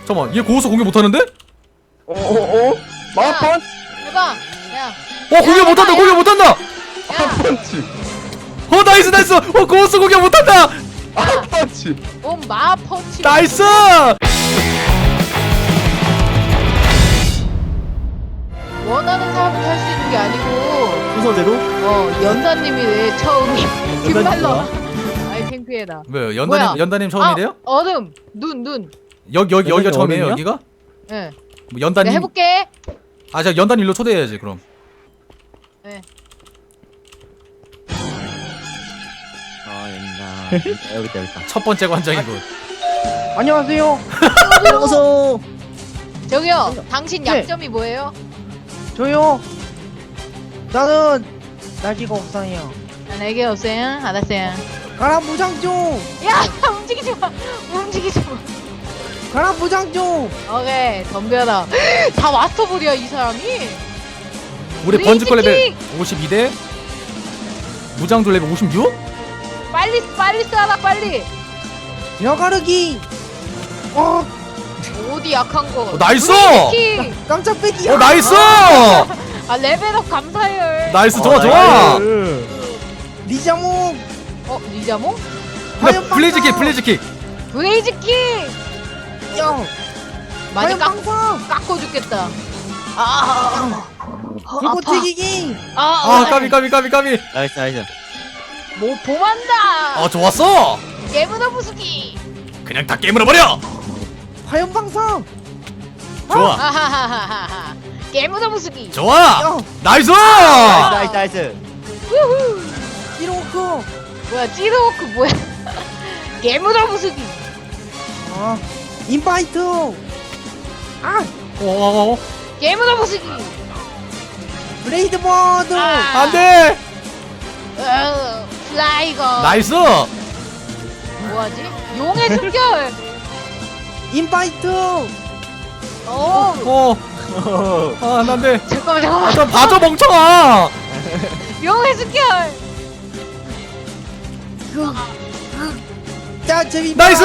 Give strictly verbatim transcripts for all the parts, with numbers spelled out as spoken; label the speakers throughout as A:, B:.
A: 잠깐만 얘 고고수 공격 못하는데?
B: 어어어? 마펀치!
C: 해봐. 야.
A: 어 공격 못한다 공격 못한다.
B: 마펀치!
A: 어 나이스 나이스. 어 고고수 공격 못한다.
B: 마펀치!
C: 오 마펀치.
A: 나이스.
C: 원하는 사람은 할 수 있는 게 아니고.
D: 순서대로?
C: 어 연사님이 왜 처음이. 뒷말로. 아이 창피해라.
A: 왜요? 연다님
C: 뭐야?
A: 연다님 처음이래요?
C: 아, 얼음. 눈 눈.
A: 여기 여기 여기가
D: 연다님
A: 처음이에요
D: 어른이야?
A: 여기가?
C: 예.
A: 뭐
C: 내가
A: 연다님.
C: 해볼게.
A: 아 자 연다님 일로 초대해야지 그럼.
C: 예.
D: 아 여기다. 여기 있다 여기 있다.
A: 첫 번째 관장이고.
B: 안녕하세요!
D: 어서.
C: 저기요. 당신
B: 네.
C: 약점이 뭐예요?
B: 저요! 나는 날개가 없어요.
C: 아, 내게 없어요. 알았어요.
B: 가라 무장 좀!
C: 야 움직이지 마. 움직이지 마.
B: 가라 무장 좀!
C: 오케이 덤벼라. 다 마스터볼이야 이 사람이.
A: 우리
C: 브레이지
A: 번지컬 레벨
C: 킥!
A: 오십이 대 무장도 레벨 오십육?
C: 빨리 빨리 쏴라 빨리.
B: 여가르기! 어!
C: 어디 약한 거.
A: 어, 나이스!
C: 브레이지 킥!
B: 깜짝 빼기!
A: 어 나이스!
C: 아 레벨업 감사해요.
A: 나이스
D: 어,
A: 좋아 좋아.
D: 나이스.
B: 리자몽!
C: 어 리자몽?
B: 화염
A: 블레이즈킥
B: 방사!
A: 블레이즈킥.
C: 브레이지 킥!
B: 야!
C: 많이
B: 화염
C: 깎,
B: 방사!
C: 깎고 죽겠다. 아, 아,
B: 불꽃
C: 아파.
B: 튀기기!
C: 아,
A: 아 까비 까비 까비 까비.
D: 나이스 나이스.
C: 뭐 봄한다.
A: 아 좋았어.
C: 깨무나 부수기.
A: 그냥 다 깨물어 버려.
B: 화염 방사!
A: 좋아
C: 아하하하하. 깨무나 부수기.
A: 좋아.
B: 야!
A: 나이스.
D: 나이스 나이스.
C: 우후.
B: 이로크!
C: 뭐야 찌르워크 뭐야? 깨무나 부수기.
B: 아! 인바이트! 아!
A: 어
C: 깨무나 부수기.
B: 블레이드 버드!
C: 아.
A: 안돼.
C: 어, 플라이거.
A: 나이스.
C: 뭐하지? 용의 숨결.
B: 인바이트!
C: 어.
A: 어아 안돼.
C: 잠깐만 잠깐만.
A: 아좀 봐줘 멍청아.
C: 용의 숨결.
B: 자, 재미
A: 나이스.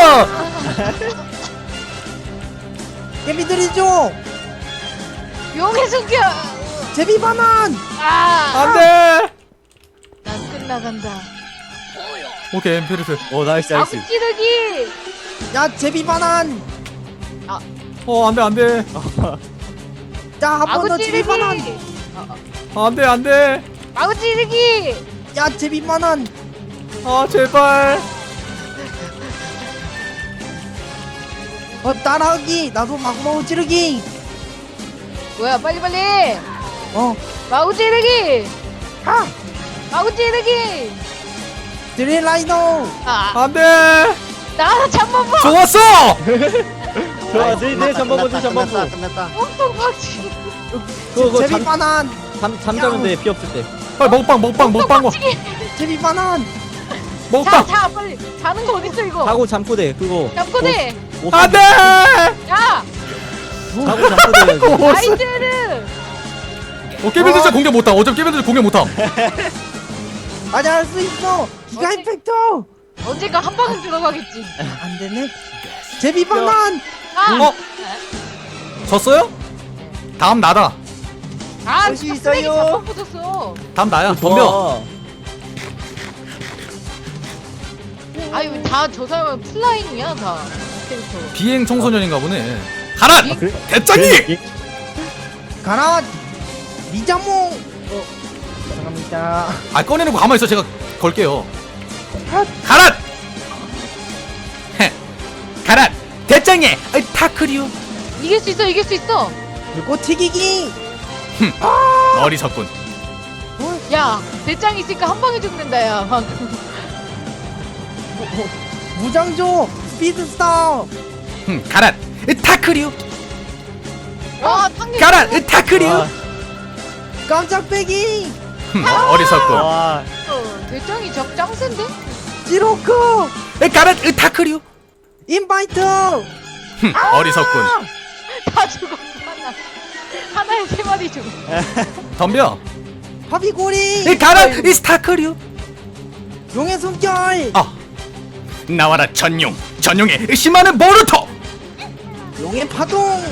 B: 개미들이죠!
C: 용의 숨결.
B: 제비 바난!
C: 아.
A: 안돼.
C: 난 끝나간다.
A: 오케이 엠피르스.
D: 오 나이스
C: 아구
D: 나이스.
C: 찌르기.
B: 야, 제비 바난!
A: 어 안돼 안돼.
B: 자, 한 번
C: 아구
B: 더 제비
C: 찌르기.
B: 바난!
A: 안돼 안돼.
C: 아구 찌르기.
B: 야, 제비 바난!
A: 아 제발.
B: 어, 따라하기! 나도 마구마구 찌르기!
C: 뭐야 빨리 빨리.
B: 어,
C: 마구 찌르기.
B: 하!
C: 마구 찌르기.
B: 드릴라이너!
C: 아
A: 안돼.
C: 나와서 잠만 봐.
A: 좋았어.
D: 좋아 네네 잠깐만 네 잠깐만.
B: 끝났다.
C: 엄청 박치.
D: 그거 그거
B: 제비
D: 잠
B: 바난!
D: 잠 잠자면 돼 피 없을 때.
A: 빨리 먹방 먹방 먹방 먹
B: 제비 바난!
A: 먹방.
C: 자자 빨리. 자는 거 어딨어 이거.
D: 자고 잠고 돼 그거.
C: 잠꼬대.
D: 오- 오-
A: 안돼.
C: 야
D: 자고 잠고 돼.
C: 나이스를.
A: 어 깨빌드 진짜 공격 못함. 어차피 깨빌드 공격 못함.
B: 맞아, 할 수 있어! 기가
C: 어째-
B: 임팩터!
C: 언젠가 한 방은 들어가겠지.
B: 안 되네. 제비 바난!
C: 아.
A: 어? 졌어요? 다음 나다.
C: 아
B: 할수
C: 진짜 쓰레기
B: 있어요.
C: 자꾸 붙었어.
A: 다음 나야. 덤벼.
C: 아유 다 저 사람은 플라잉이야 다 캐릭터.
A: 비행 청소년인가 보네. 가라.
C: 비-
D: 그래?
A: 대장이.
B: 가라! 리자몽! 어, 죄송합니다.
A: 아 꺼내놓고 가만히 있어. 제가 걸게요.
B: 핫!
A: 가라. 헤. 가라. 대장이. 아이 타크리오.
C: 이길 수 있어 이길 수 있어.
B: 불꽃 튀기기!
A: 어리석군.
C: 야 대짱 있으니까 한 방에 죽는다 야 방금.
B: 무장조! 스피드스타!
A: 흠, 가라. 으, 타크리오.
C: 와 탕류.
A: 가라. 으, 타크리오.
D: 아.
B: 깜짝 빼기!
A: 흠, 어리석군.
D: 와.
C: 대짱이 적 짱센데?
B: 지로크!
A: 으, 가라. 으, 타크리오.
B: 인바이트!
A: 흠, 어리석군.
C: 다 죽었어 하나. 하나에 세 마리 죽어.
A: 덤벼.
B: 파비고리!
A: 으, 가라. 으, 스타크리오.
B: 용의 숨결!
A: 아. 나와라 전용. 전용의 심하는 모루토.
B: 용의 파동.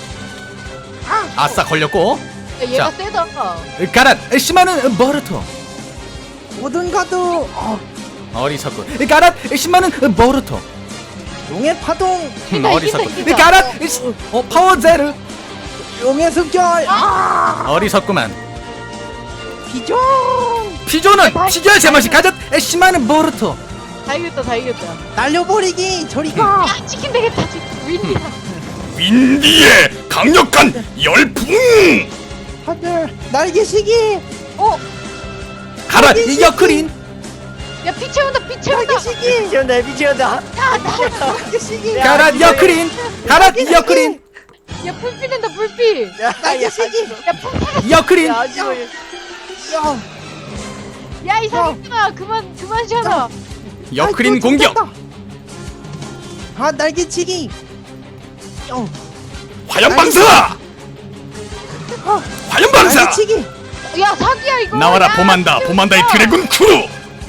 A: 아싸 걸렸고.
C: 야, 얘가
A: 자.
C: 세다.
A: 가라 십만은 보르토.
B: 모든 가드. 어,
A: 어리석군. 가라 십만은 보르토.
B: 용의 파동.
A: 음,
C: 이기다,
A: 어리석군.
C: 이기다, 이기다.
A: 가라 시- 어 파워 제르.
B: 용의 습결. 아,
A: 어리석구만.
B: 비전.
A: 피조는 피조의 제맛이 가졌 십만은 보르토.
C: 다 이겼다, 다 이겼다.
B: 날려버리기. 저리 가.
C: 야, 치킨 되겠다, 치킨. 윈디야.
A: 윈디의 강력한 열풍.
B: 하늘 날개시기.
C: 어,
A: 가라
B: 날개시기.
A: 여크린.
C: 야, 피 채운다, 피 채운다.
B: 날개시기.
D: 미치온다 미치온다.
B: 날개시기.
A: 가라 여크린. 가라 여크린.
C: 야, 불피 된다, 불피.
B: 날개시기.
C: 야, 불피.
A: 여크린.
D: 야 아쉬워.
B: 야.
C: 야, 이 사기꾼아, 그만, 그만 쉬어라.
A: 여크린
B: 아이고,
A: 공격.
B: 좋겠다. 아 날개치기. 어,
A: 화염 방사.
B: 어,
A: 화염 방사.
B: 날개치기.
C: 야, 사기야, 이거.
A: 나와라
C: 야,
A: 보만다.
C: 진짜.
A: 보만다의 드래곤 크루.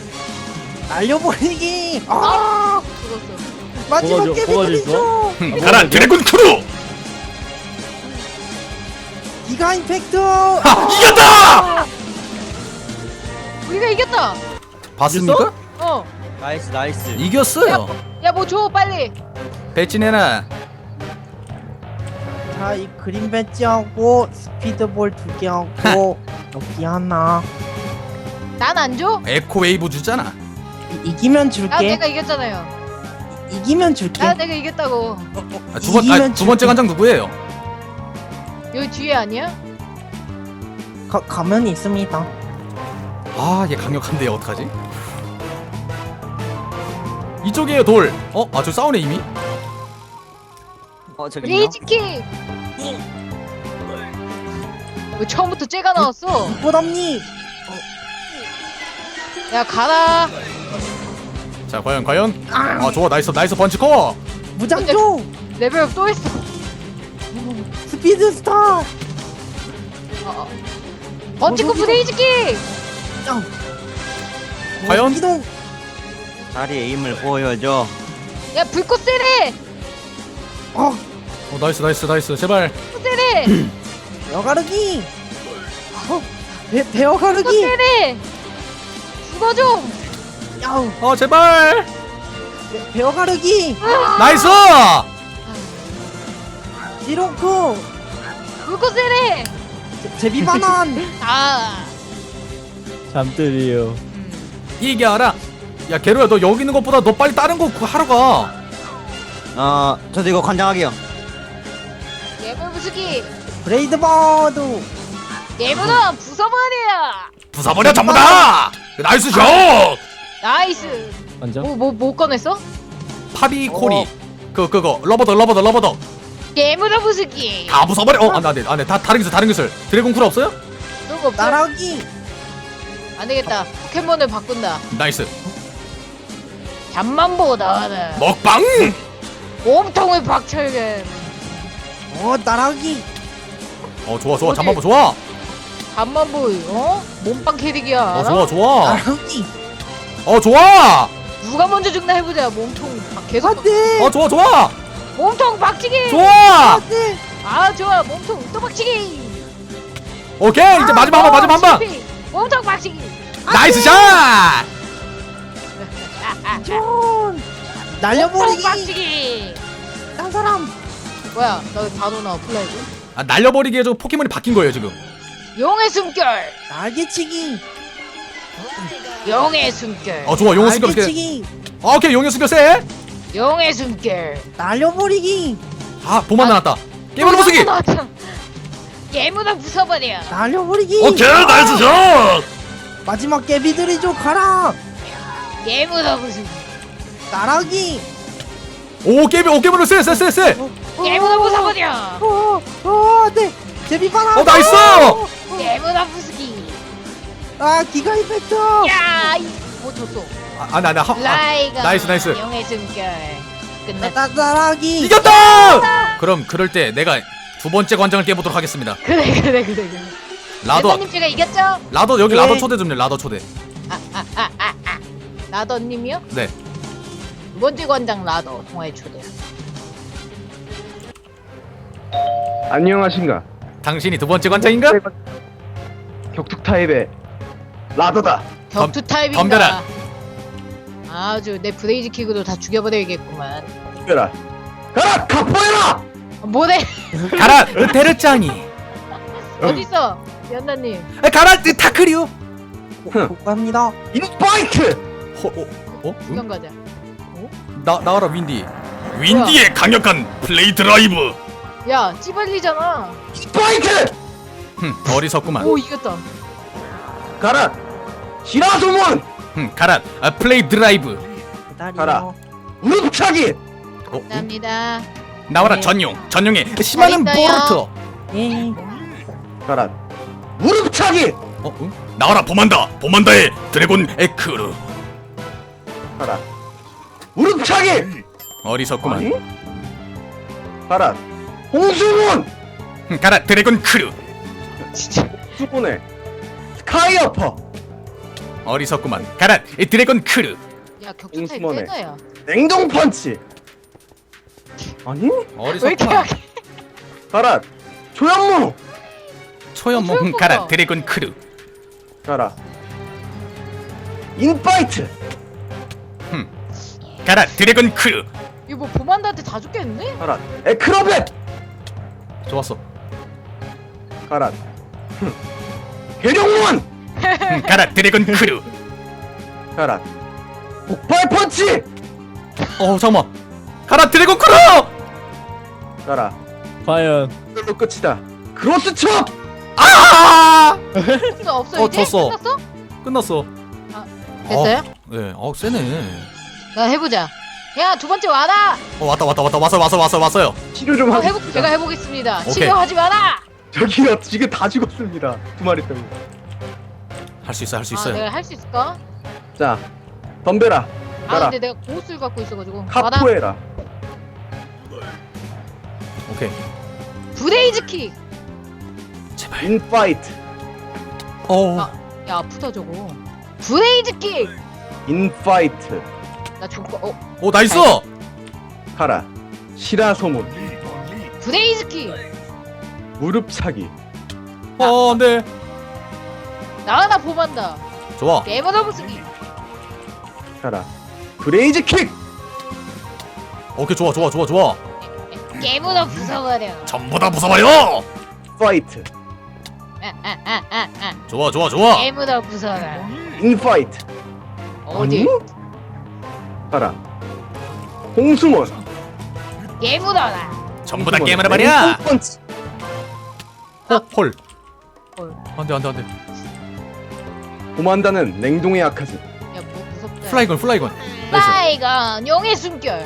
B: 날려버리기. 아,
C: 아, 죽었어.
B: 마지막
D: 뭐가 줘-
B: 깨비
D: 뭐가
B: 드리죠.
A: 흠, 가라 드래곤 크루.
B: 기가 임팩트.
A: 하, 이겼다.
C: 우리가 이겼다.
A: 봤습니까?
C: 어.
D: 나이스 나이스.
A: 이겼어요.
C: 야, 뭐 줘, 빨리.
A: 배치내나.
B: 자, 이 그린 배지하고 스피드볼 두 개 하고 여기 하나.
C: 난 안 줘?
A: 에코웨이브 주잖아.
B: 이, 이기면
C: 나
B: 줄게.
C: 내가 이겼잖아요.
B: 이기면 줄게.
C: 나 내가 이겼다고.
A: 아, 두 번,
B: 이기면
A: 아, 두 번째
B: 줄게.
A: 관장 누구예요?
C: 여기 뒤에 아니야?
B: 가, 가면이 있습니다.
A: 아, 얘 강력한데 어떡하지? 이쪽이에요 돌. 어? 아, 저 싸우네 이미.
D: 어 저기.
C: 레이지킥. 왜 처음부터 쟤가 나왔어?
B: 보담니.
C: 야, 가라.
A: 자, 과연 과연. 아, 좋아, 나이스 나이스 펀치코.
B: 무장조.
C: 레벨업 또 했어.
B: 스피드 스타.
C: 어, 어. 번치코프 레이지킥.
B: 짱.
A: 과연?
B: 이동.
D: 다리 에임을 보여줘.
C: 야, 불꽃 세례.
B: 어,
A: 어, 나이스 나이스 나이스. 제발.
C: 불꽃 세례.
B: 배어가르기. 어, 배
C: 불꽃
B: 배어가르기.
C: 세례. 죽어 좀.
B: 야우.
A: 어, 제발.
B: 배- 배어가르기.
A: 나이스.
B: 디로크.
C: 불꽃 세례.
B: 제- 제비바난.
C: 아.
D: 잠들이요.
C: 음.
A: 이겨라. 야, 게로야, 너 여기 있는 것보다 너 빨리 다른 거 그거 하러 가.
D: 어 저도 이거 관장하게요.
C: 예물 부수기.
B: 브레이드 버드.
C: 예물은 부숴버려.
A: 부숴버려 전부 다. 나이스 샷.
C: 나이스.
D: 관장?
C: 뭐 뭐 뭐 꺼냈어?
A: 파비 코리.
B: 어.
A: 그 그거 러버더 러버더 러버더.
C: 예물은 부수기.
A: 다 부숴버려. 어, 안돼 안돼 안돼. 다 다른 기술 다른 기술. 드래곤 쿨 없어요?
C: 그런 거 없어?
B: 나락이.
C: 안 되겠다. 포켓몬을 바꾼다.
A: 나이스.
C: 잠만 보고 나와라.
A: 먹방.
C: 몸통을 박철근.
B: 어, 나락이.
A: 어, 좋아 좋아.
C: 어디?
A: 잠깐만 좋아.
C: 잠만 보이. 어? 몸빵 캐릭이야.
A: 어,
C: 알아?
A: 좋아 좋아.
B: 나락이.
A: 어, 좋아.
C: 누가 먼저 죽나 해보자. 몸통 박- 계속.
B: 안돼.
A: 어, 좋아 좋아.
C: 몸통 박치기.
A: 좋아.
B: 안돼.
C: 아 좋아. 몸통 또 박치기.
A: 오케이. 이제 마지막 한 번, 마지막 한 번.
C: 실패. 몸통 박치기.
A: 나이스 샷.
B: 존.
C: 몸통
B: 날려버리기.
C: 박치기.
B: 딴 사람.
C: 뭐야? 나다 넣어 플라이드.
A: 아, 날려버리기에 저 포켓몬이 바뀐 거예요 지금.
C: 용의 숨결.
B: 날개치기.
C: 용의 숨결.
A: 어, 좋아. 용의 숨결 세.
B: 날개치기.
A: 어, 오케이. 용의 숨결 세.
C: 용의 숨결.
B: 날려버리기.
A: 아, 보만 나왔다. 게임으로 부수기.
C: 예무나 부숴버려.
B: 날려버리기.
A: 오케이. 나이스 샷.
B: 마지막 깨비들이 좀 가라.
C: 예무나 부수기.
B: 나락이.
A: 오, 게임 오 게임으로 세 세 세 세.
C: 예무나 부숴버려.
B: 어, 어, 네. 제비바나.
A: 어, 나이스.
C: 예무나 부수기.
B: 아, 기가 임팩트.
C: 야, 이, 뭐 줬어?
A: 아, 아, 나, 나, 하, 아,
C: 라이가.
A: 나이스, 나이스.
C: 용의 숨결. 끝났다.
B: 나, 나락이.
A: 이겼다. 그럼 그럴 때 내가 두 번째 관장을 깨보도록 하겠습니다.
C: 그래 그래 그래 그래.
A: 라더,
C: 라더님 제가 이겼죠?
A: 라더 여기
B: 네.
A: 라더 초대 좀요. 라더 초대.
C: 라더님이요?
A: 네.
C: 두 번째 관장 라더 통화의 초대.
E: 안녕하신가?
A: 당신이 두 번째 관장인가?
E: 격투 타입의 라더다.
C: 격투 타입인가?
A: 덤벼라.
C: 아주 내 브레이즈 킥으로 다 죽여버려야겠구만.
E: 덤벼라. 가라 카포에라.
C: 어, 뭐래?
A: 가라 테르짱이.
C: 어딨어? 연나님.
A: 아, 가라 타크리오.
B: 복갑니다.
E: 인파이트.
A: 어, 어, 어?
C: 구경
A: 응?
C: 가자.
A: 나 나와라 윈디.
F: 윈디의 강력한 플레이 드라이브.
C: 야, 찌발리잖아.
E: 인파이트.
A: 흠, 어리석구만.
C: 오, 이겼다.
E: 가라. 시라소몬.
A: 흠, 가라 아, 플레이 드라이브.
B: 기다려.
E: 가라. 무릎차기.
A: 어, 응?
C: 감사합니다.
A: 나와라
B: 네.
A: 전용 전용의 심하는
C: 잘 있어요.
A: 보르토.
B: 예.
E: 가라. 무릎차기.
A: 어, 응?
F: 나와라 보만다. 보만다의 드래곤 에크르.
E: 가라. 무릎차기.
A: 어리석구만.
E: 아니? 가라. 홍수몬.
A: 흠, 가라 드래곤 크루.
C: 진짜.
E: 수몬의 스카이어퍼.
A: 어리석구만. 가라 이 드래곤 크루.
C: 야, 격투 타입
E: 옹수머네.
C: 빼다야.
E: 냉동 펀치. 아니?
C: 왜 이렇게
A: 어리석구만.
C: 약해?
E: 가라. 조연무.
A: 초연몽 흠,
C: 초연몽아.
A: 가라 드래곤 크루.
E: 가라. 인파이트.
A: 흠, 가라 드래곤 크루.
C: 이거 뭐 보만다한테 다 죽겠는데?
E: 가라. 에크로벳.
A: 좋았어.
E: 가라. 계룡문.
A: 흠, 가라 드래곤 크루.
E: 가라. 폭발 펀치.
A: 어 잠깐만. 가라 드래곤 크루.
E: 가라.
D: 과연
E: 이걸로 끝이다. 크로스 첩.
A: 아!
C: 없어, 없어.
A: 어,
C: 이제
A: 졌어.
C: 끝났어?
A: 끝났어.
C: 됐어요?
A: 어, 네. 어 세네.
C: 나 해보자. 야, 두 번째 와라.
A: 어 왔다 왔다 왔다 왔어 왔어 왔어 왔어요.
E: 치료 좀
C: 어,
E: 하겠습니다.
C: 해보, 제가 해보겠습니다.
A: 오케이.
C: 치료하지 마라.
E: 저기요 지금 다 죽었습니다. 두 마리 때문에.
A: 할 수 있어 할 수
C: 아,
A: 있어요.
C: 내가 할 수 있을까?
E: 자, 덤벼라.
C: 아,
E: 가라.
C: 근데 내가 고수를 갖고 있어가지고. 와라.
E: 카포에라.
A: 오케이.
C: 브레이즈 킥.
A: 제발.
E: 인파이트.
A: 어.
C: 아. 야, 아프다 저거. 브레이즈 킥.
E: 인파이트.
C: 나 죽고. 어,
A: 오 나이스.
E: 가라. 시라소문.
C: 브레이즈 킥.
E: 무릎 차기.
A: 어 네.
C: 나하나 보만다.
A: 좋아.
C: 게임을 해보시기.
E: 가라. 브레이즈 킥.
A: 오케이 좋아 좋아 좋아 좋아.
C: 게임을 부숴버려.
F: 전부 다 부숴봐요.
E: 파이트.
C: 아, 아, 아, 아, 아.
A: 좋아 좋아 좋아.
C: 게임을 부숴라.
E: 인파이트.
C: 어디?
E: 아니? 가라. 홍수몬.
C: 게임을
A: 전부 다
E: 홍수몬의
A: 게임을 해버려.
E: 냉동 펀치.
A: 어, 헐.
C: 헐.
A: 안돼 안돼 안돼.
E: 고만다는 냉동에 약하지.
C: 야, 뭐 무섭다.
A: 플라이건 플라이건. 나이스.
C: 플라이건 용의 숨결.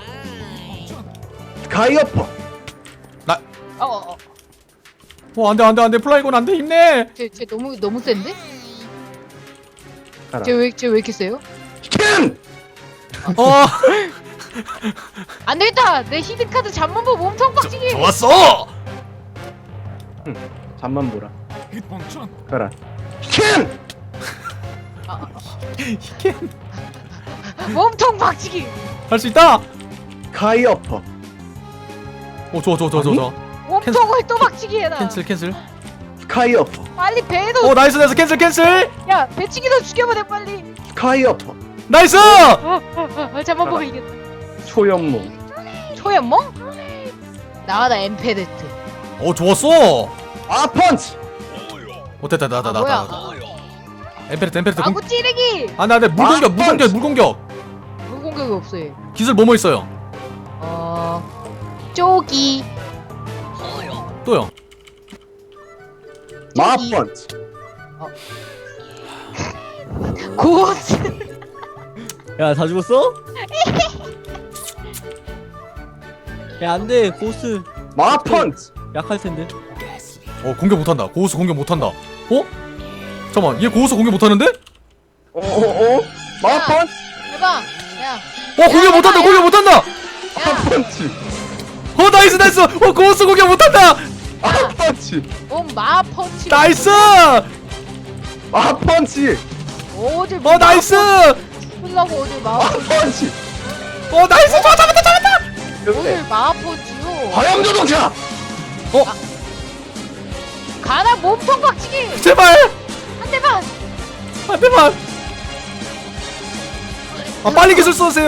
E: 스카이어퍼.
C: 어, 어, 어.
A: 어 안돼 안돼 안돼 플라이건 안돼 힘내.
C: 쟤, 쟤 너무 너무 센데?
E: 가라.
C: 쟤왜쟤 왜 이렇게 세요?
E: 캔.
A: 어.
C: 안 되겠다. 내 히든 카드 잠만보 몸통 박치기.
F: 좋았어.
E: 잠만 보라. 가라. 캔.
C: 몸통 박치기.
A: 할 수 있다.
E: 스카이어퍼.
A: 오 좋아 좋아 좋아 좋아. 좋아.
C: 몸통을 또 박치기 해라.
A: 캔슬 캔슬.
E: 스카이어퍼.
C: 빨리 배도.
A: 오 나이스 나이스 캔슬 캔슬.
C: 야, 배치기도 죽여버려 빨리.
E: 스카이어퍼.
A: 나이스.
C: 어, 어, 어, 잠만보 이겼다.
E: 초연몽.
C: 초연몽? 나와라 엠페르트.
A: 오 좋았어.
E: 아 펀치.
A: 오 됐다 나다
C: 아,
A: 나다.
C: 뭐야?
A: 엠페르트 엠페르트. 공...
C: 아구 찌르기.
A: 아 나네 물공격
E: 아,
A: 물공격 물공격.
C: 물 공격이 없어 얘.
A: 기술 뭐뭐 있어요?
C: 어, 쪼기.
A: 또요.
E: 마
C: 저기.
E: 펀치.
C: 고스.
D: 야 다 죽었어? 야 안돼 고스
E: 마 펀치.
D: 약할 텐데.
A: 어 공격 못한다. 고우스 공격 못한다. 어? 잠깐만 얘 고우스 공격 못하는데?
E: 어어어. 마
C: 야.
E: 펀치.
C: 해봐. 야.
A: 어 공격
C: 야,
A: 못한다.
C: 야.
A: 공격 못한다.
E: 마
C: 야.
E: 펀치.
A: 어 나이스 나이스. 어 고우스 공격 못한다.
E: 마 펀치.
C: 몸 마펀치.
A: 나이스.
E: 마 펀치.
C: 어딜
A: 어 나이스.
C: 죽으려고 어딜 마.
E: 마 펀치.
A: 어 나이스. 좋아 잡았다 잡았다.
E: 이렇게
C: 어딜 마펀치요.
E: 화염 자동차.
A: 어?
C: 가라 몸통 박치기
A: 제발
C: 한 대만.
A: 한 대만. 아 빨리 기술 써세요.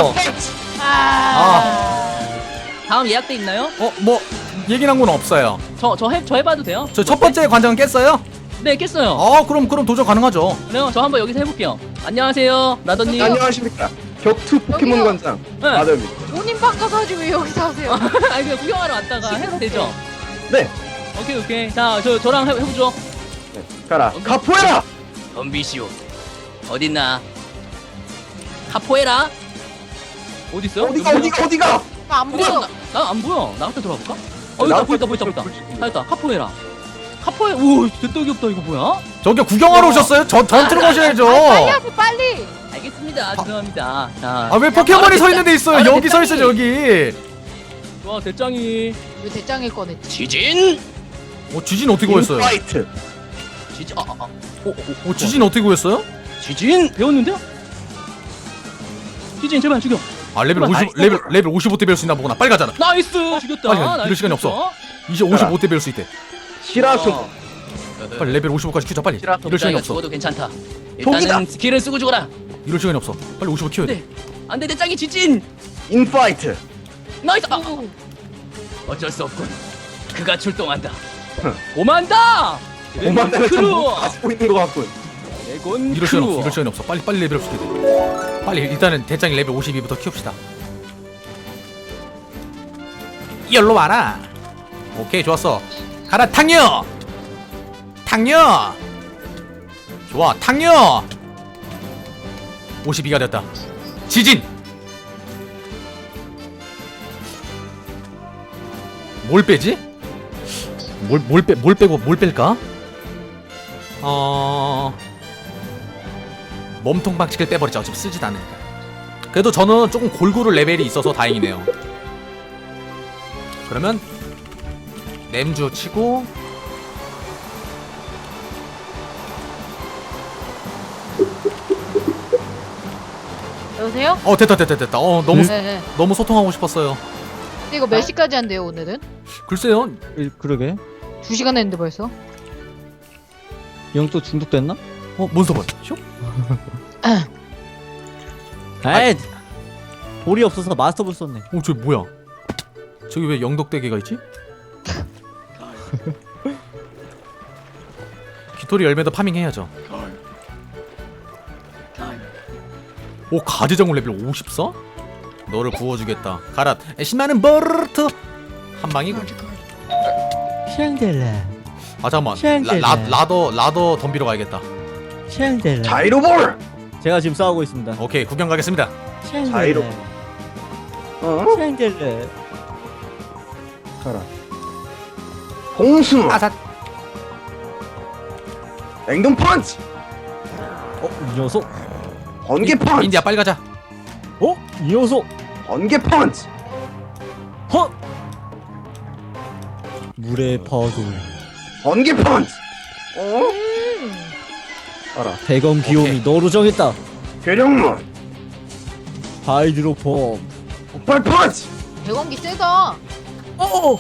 C: 아.
D: 다음 예약돼 있나요?
A: 어 뭐 얘기 난 건 없어요.
D: 저 저 해 저 해봐도 돼요?
A: 저 첫 번째 관장은 깼어요?
D: 네 깼어요.
A: 아 그럼 그럼 도전 가능하죠.
D: 그래요. 저 한번 여기서 해볼게요. 안녕하세요, 라더님.
E: 안녕하십니까. 격투 포켓몬
C: 여기요.
E: 관장
D: 네.
E: 마더입니다.
C: 본인 방 가서 하지 왜 여기서 하세요?
D: 아니 그냥 구경하러 왔다가 해도
C: 시끄럽게.
D: 되죠?
E: 네.
D: 오케이 오케이. 자 저 저랑 해, 해보죠.
E: 네. 가라. 카포에라.
D: 덤비시오. 어딨나? 카포에라. 어디 있어요?
E: 어디가 어디가 어디가?
C: 안 보여.
D: 나안 보여. 나한테 돌아볼까? 어
E: 나
D: 있다
E: 앞에
D: 보였다 보였다
E: 불-
D: 보였다.
E: 불-
D: 찾았다. 카포에라. 카포에 오 됐다 귀엽다 이거 뭐야?
A: 저기 구경하러 오셨어요? 저 전투로 가셔야죠.
C: 아, 빨리 하세요 빨리.
D: 알겠습니다. 죄송합니다. 자.
A: 아 왜 포켓몬이 서 있는 데 있어요?
D: 아,
A: 여기 서 있어 여기.
D: 좋아 대짱이.
C: 왜 대장일 꺼냈지?
D: 지진.
A: 어 지진 어떻게 구했어요?
E: 파이트.
D: 지진. 아아 아. 오, 오, 오,
A: 어 지진 어떻게 구했어요?
D: 지진 배웠는데요? 지진 제발 죽여.
A: 아 레벨
D: 그만,
A: 오십 레벨 레벨 오십오 대 배울 수 있나 보구나. 빨리 가잖아.
D: 나이스 죽였다.
A: 빨리 가. 이럴
D: 나이스,
A: 시간이
D: 죽였어.
A: 이제 오십오 대 배울 수 있대.
E: 시라소.
D: 어.
A: 빨리 레벨 오십오까지 키우자 빨리.
E: 싫어.
A: 이럴 시간이
D: 가
A: 없어.
D: 죽어도 괜찮다.
E: 독이다.
D: 일단은 스킬을 쓰고 죽어라.
A: 이럴 시간이 없어. 빨리 오십오 키워야 돼.
D: 네. 안돼 대짱이 지진.
E: 인파이트.
D: 나이스. 아, 아. 어쩔 수 없군. 그가 출동한다. 오만다.
E: 오만다는 참
D: 크루.
E: 뭐 가지고 있는 것 같군.
D: 레곤
A: 이럴 시간이 없어.
D: 크루.
A: 이럴 시간이 없어. 빨리 빨리 레벨업 시켜야 돼. 빨리 일단은 대장이 레벨 오십이부터 키웁시다. 열로 와라. 오케이 좋았어. 가라 탕녀. 탕녀. 좋아 탕녀. 오십이가 됐다. 지진. 뭘 빼지? 뭘 뭘 빼 뭘 빼고 뭘 뺄까? 어 몸통 박치기를 빼버리자. 어차피 쓰지도 않으니까. 그래도 저는 조금 골고루 레벨이 있어서 다행이네요. 그러면 램주 치고
C: 여보세요?
A: 어 됐다 됐다 됐다. 어 너무
C: 네, 네.
A: 너무 소통하고 싶었어요.
C: 근데 이거 몇 시까지 한대요 오늘은?
A: 글쎄요.
G: 일- 그러게.
C: 두 시간 했는데 벌써?
G: 영 또 중독됐나?
A: 어 몬스터볼. 쇼?
G: 에이, 볼이 없어서 마스터볼 썼네.
A: 어 저기 뭐야? 저기 왜 영덕대게가 있지? 귀토리 열매도 파밍해야죠. 오 가지정글 레벨 오십사? 너를 구워주겠다. 가라. 신나는 버르트 한 방이고.
G: 샹델라,
A: 아 잠깐만.
G: 샹델라.
A: 라, 라, 라더 라더 덤비러 가야겠다.
G: 샹델라.
E: 자이로볼.
G: 제가 지금 싸우고 있습니다.
A: 오케이 구경 가겠습니다.
E: 자이로. 어?
G: 샹델라.
E: 가라. 공수.
A: 아삿.
E: 냉동 펀치.
G: 어, 이 녀석.
E: 번개 펀치.
A: 인디야 빨리 가자.
G: 어, 이 녀석.
E: 번개 펀치.
G: 헛. 물의 파도.
E: 번개 펀치. 어? 가라.
G: 대검 귀요미
A: 오케이.
G: 너로 정했다.
E: 괴력문.
G: 하이드로 펌.
E: 폭발 펀치.
C: 대공기 세다.
G: 어.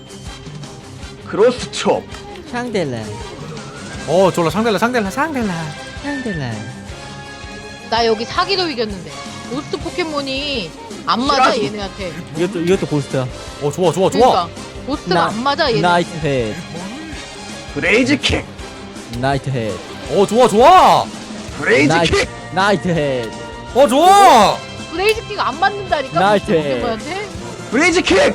E: 크로스 촉.
G: 샹델라.
A: 어 졸라 상델라 상델라 상델라.
G: 샹델라.
C: 나 여기 사기도 이겼는데. 고스트 포켓몬이 안 맞아
E: 싫어하지.
C: 얘네한테.
G: 이것도 이것도 고스트야.
A: 어 좋아 좋아 좋아.
C: 그러니까 고스트가
G: 나-
C: 안 맞아 얘네.
G: 나이트 헤드.
E: 브레이즈 킥.
G: 나이트 헤드.
A: 어 좋아 좋아.
E: 브레이즈
G: 나이트.
E: 킥.
G: 나이트 헤드.
A: 어 좋아.
C: 브레이즈 킥 안 맞는다니까.
G: 나이스.
C: 고스트 포켓몬한테.
E: 브레이즈 킥.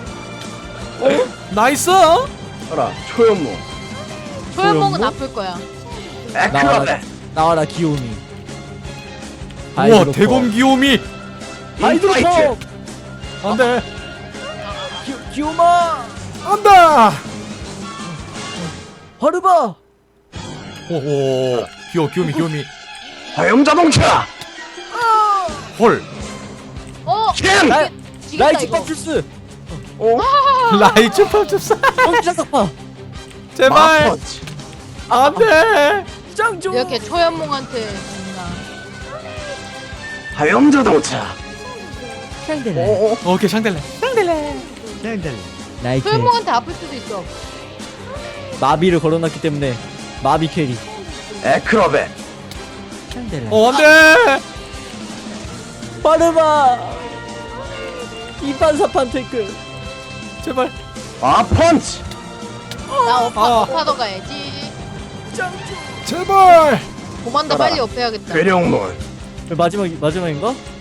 A: 나이스.
E: 가라. 초연모.
C: 소연몽은
G: 소연몽?
C: 아플 거야.
E: 에크로벳.
G: 나와라 귀요미.
A: 우와 대검 귀요미.
G: 하이드로
E: 인파이트.
G: 펌.
A: 안돼
G: 기, 귀요마.
A: 안다.
G: 하르바.
A: 오오 귀여 귀요미 귀요미.
E: 화염 자동차.
A: 헐.
C: 어.
E: 캔.
G: 나-
C: 지겠다
G: 나이트
C: 이거.
G: 팝출스.
E: 어?
A: 라이츠 팝줍사.
G: 엉키자 석파.
A: 제발
E: 마펀치.
A: 안돼.
G: 짱조.
C: 이렇게 초연몽한테 죽나.
E: 화염 자동차.
G: 샹델라.
E: 어?
A: 오케이 샹델라.
G: 샹델라. 나이트.
C: 소영몽한테 아플 수도 있어.
G: 마비를 걸어놨기 때문에 마비 캐리.
E: 에크로벳.
A: 어 안돼.
G: 빠르마. 이판사판 태클.
A: 제발.
E: 아 펀치.
C: 나 업하,
A: 아.
C: 업하러 가야지.
A: 제발.
C: 고만다
E: 가라.
C: 빨리 업해야겠다.
E: 괴룡문.
G: 마지막 마지막인가?